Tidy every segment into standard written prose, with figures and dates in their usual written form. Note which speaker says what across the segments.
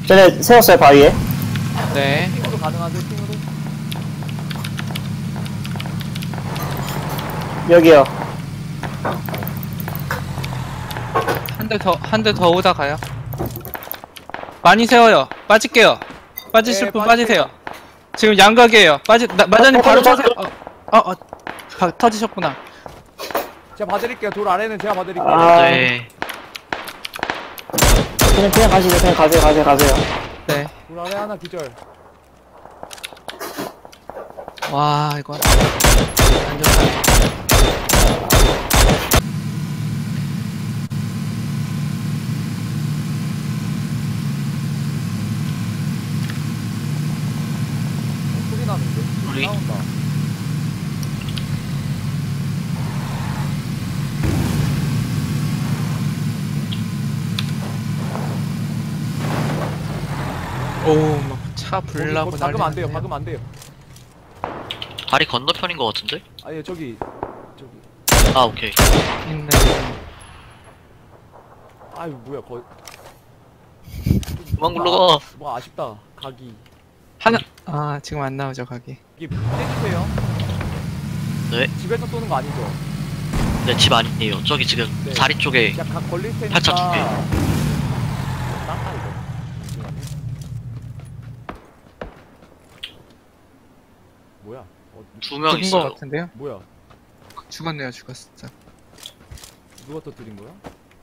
Speaker 1: 쟤네 세웠어요 바위에.
Speaker 2: 네.
Speaker 3: 핑으로 가능하세요? 핑으로?
Speaker 1: 여기요.
Speaker 2: 한 대 더 오다 가요. 많이 세워요. 빠질게요. 빠지실
Speaker 3: 네,
Speaker 2: 분
Speaker 3: 빠질게요.
Speaker 2: 빠지세요. 지금 양각이에요. 마자님 바로
Speaker 1: 터져,
Speaker 2: 타세요. 터지셨구나.
Speaker 3: 제가 봐드릴게요. 돌 아래는 제가 봐드릴게요.
Speaker 1: 아,
Speaker 4: 네.
Speaker 1: 그냥 가시죠. 그냥 가세요.
Speaker 2: 네.
Speaker 3: 돌 아래 하나 기절.
Speaker 2: 와, 이거 안 좋다.
Speaker 3: 소리 나는데?
Speaker 4: 우리?
Speaker 3: 나온다.
Speaker 2: 오, 막 차 불나고
Speaker 3: 거기 박으면 안 돼요.
Speaker 2: 난리 났네요.
Speaker 3: 박으면 안 돼요.
Speaker 4: 다리 건너편인 것 같은데?
Speaker 3: 아예 저기
Speaker 4: 아, 오케이.
Speaker 2: 있네.
Speaker 3: 아유 뭐야 거의
Speaker 4: 그만 굴러가.
Speaker 3: 뭐 아쉽다. 각이
Speaker 2: 하나, 지금 안 나오죠, 가기.
Speaker 3: 이게 떼주세요.
Speaker 4: 네.
Speaker 3: 집에서 쏘는 거 아니죠?
Speaker 4: 네, 집 아니에요. 저기 지금
Speaker 3: 네.
Speaker 4: 다리 쪽에.
Speaker 3: 각 걸릴 테니까.
Speaker 4: 팔자 두 개.
Speaker 3: 딴다 이거. 뭐야?
Speaker 4: 2명
Speaker 2: 죽은 거
Speaker 4: 있어요.
Speaker 2: 같은데요?
Speaker 3: 뭐야?
Speaker 2: 죽었네요, 죽었어.
Speaker 3: 누가 터뜨린 거야?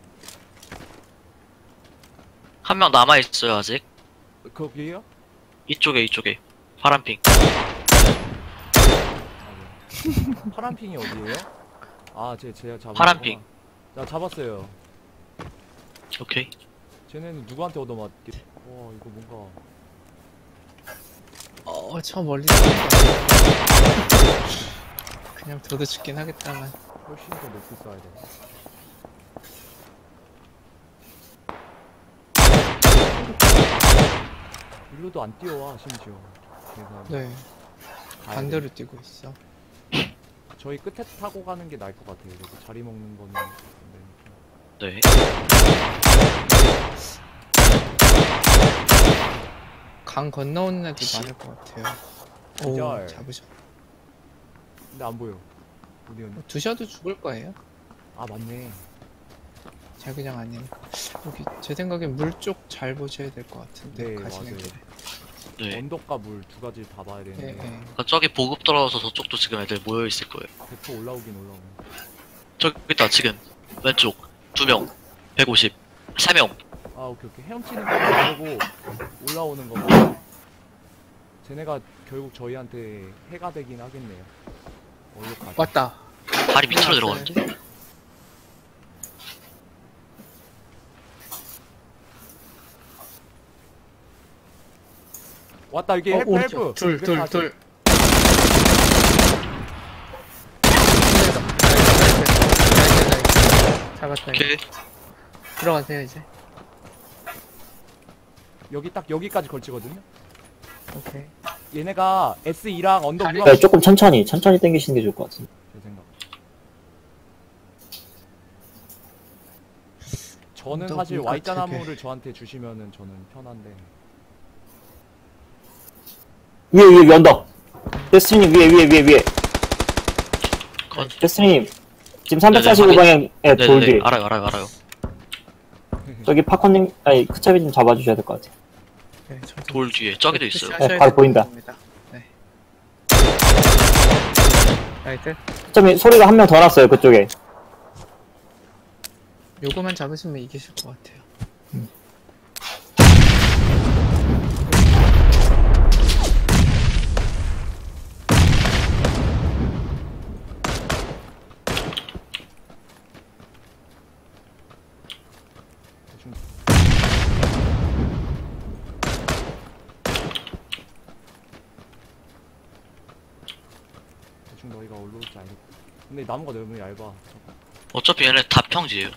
Speaker 4: 한 명 남아있어요, 아직.
Speaker 3: 거기에요?
Speaker 4: 이쪽에. 파란핑.
Speaker 3: 파란 핑이 어디에요? 아, 제가 잡았구나.
Speaker 4: 파란 핑.
Speaker 3: 나 잡았어요.
Speaker 4: 오케이.
Speaker 3: 쟤네는 누구한테 얻어맞게? 와, 이거 뭔가
Speaker 2: 저 멀리 그냥 저도 죽긴 하겠다만.
Speaker 3: 훨씬 더 높이 쏴야 돼. 일로도 안 뛰어와 심지어. 그래서
Speaker 2: 네,
Speaker 3: 가야
Speaker 2: 반대로
Speaker 3: 돼.
Speaker 2: 뛰고 있어.
Speaker 3: 저희 끝에 타고 가는 게 나을 것 같아요. 여기 자리 먹는 거는 안 되니까.
Speaker 4: 네.
Speaker 2: 강 건너오는 애들
Speaker 4: 씨.
Speaker 2: 많을 것 같아요. 오,
Speaker 3: 기절.
Speaker 2: 잡으셔.
Speaker 3: 근데 안 보여. 어디 갔니?
Speaker 2: 두셔도 죽을 거예요.
Speaker 3: 아 맞네.
Speaker 2: 자기장 아니니까. 여기 제 생각엔 물 쪽 잘 보셔야 될 것 같은데.
Speaker 3: 네,
Speaker 2: 가시는
Speaker 3: 맞아요.
Speaker 2: 길에.
Speaker 4: 네.
Speaker 3: 언덕과 물 두 가지 다 봐야
Speaker 2: 네,
Speaker 3: 되는데
Speaker 2: 네.
Speaker 4: 그러니까 저기 보급 떨어져서 저쪽도 지금 애들 모여있을 거예요.
Speaker 3: 대포 올라오긴 올라오네.
Speaker 4: 저기 있다, 지금. 왼쪽. 2명. 150. 3명.
Speaker 3: 아 오케이. 헤엄치는 거 말고 올라오는 거. 쟤네가 결국 저희한테 해가 되긴 하겠네요. 어디까지?
Speaker 2: 왔다.
Speaker 4: 다리 밑으로
Speaker 2: 올라왔어요.
Speaker 4: 들어가는데?
Speaker 3: 왔다 이게 헬프
Speaker 2: 오른쪽.
Speaker 3: 헬프.
Speaker 2: 둘. 잡았다.
Speaker 4: 오케이.
Speaker 2: 들어가세요 이제.
Speaker 3: 여기 딱 여기까지 걸치거든요.
Speaker 2: 오케이.
Speaker 3: 얘네가 S2랑 언덕
Speaker 2: 다리-
Speaker 3: 위로
Speaker 1: 네, 조금 천천히 당기시는 게 좋을 것 같은데.
Speaker 3: 제 생각. 저는
Speaker 2: 언덕
Speaker 3: 사실
Speaker 2: 위가
Speaker 3: Y자
Speaker 2: 되게-
Speaker 3: 나무를 저한테 주시면은 저는 편한데.
Speaker 1: 위에 언덕. 데스티님 위에.
Speaker 4: 건-
Speaker 1: 데스티님 지금 345방향에 돌
Speaker 4: 네네네.
Speaker 1: 뒤에.
Speaker 4: 알아요.
Speaker 1: 저기 파커님, 아니 크차비 좀 잡아주셔야 될 것 같아요.
Speaker 2: 네, 저도
Speaker 4: 돌 뒤에. 저기도 있어요.
Speaker 2: 하셔야
Speaker 1: 바로
Speaker 2: 될
Speaker 1: 보인다.
Speaker 2: 것 같습니다. 네. 나이트.
Speaker 1: 크차비 소리가 한 명 더 났어요 그쪽에.
Speaker 2: 요거만 잡으시면 이기실 것 같아요.
Speaker 3: 대충 대충 너희가 올라올지 알겠다. 근데 나무가 너무 얇아.
Speaker 4: 어차피 얘네 다 평지예요.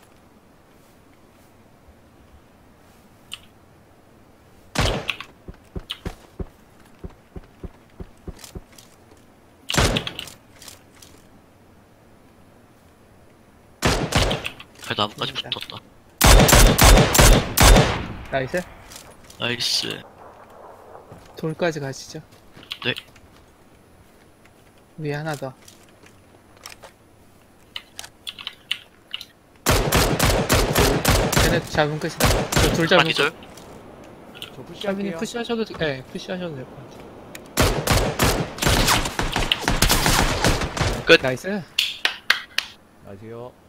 Speaker 4: 그 나무까지 붙었다.
Speaker 2: 나이스.
Speaker 4: 나이스.
Speaker 2: 돌까지 가시죠.
Speaker 4: 네.
Speaker 2: 위에 하나 더. 쟤네 잡으면 끝이다. 저돌 잡으면
Speaker 4: 기절.
Speaker 3: 저
Speaker 2: 샤빈이
Speaker 3: 푸시할게요.
Speaker 2: 푸시하셔도 푸시하셔도 될 것 같아요.
Speaker 4: 끝.
Speaker 2: 나이스.
Speaker 3: 안녕하세요.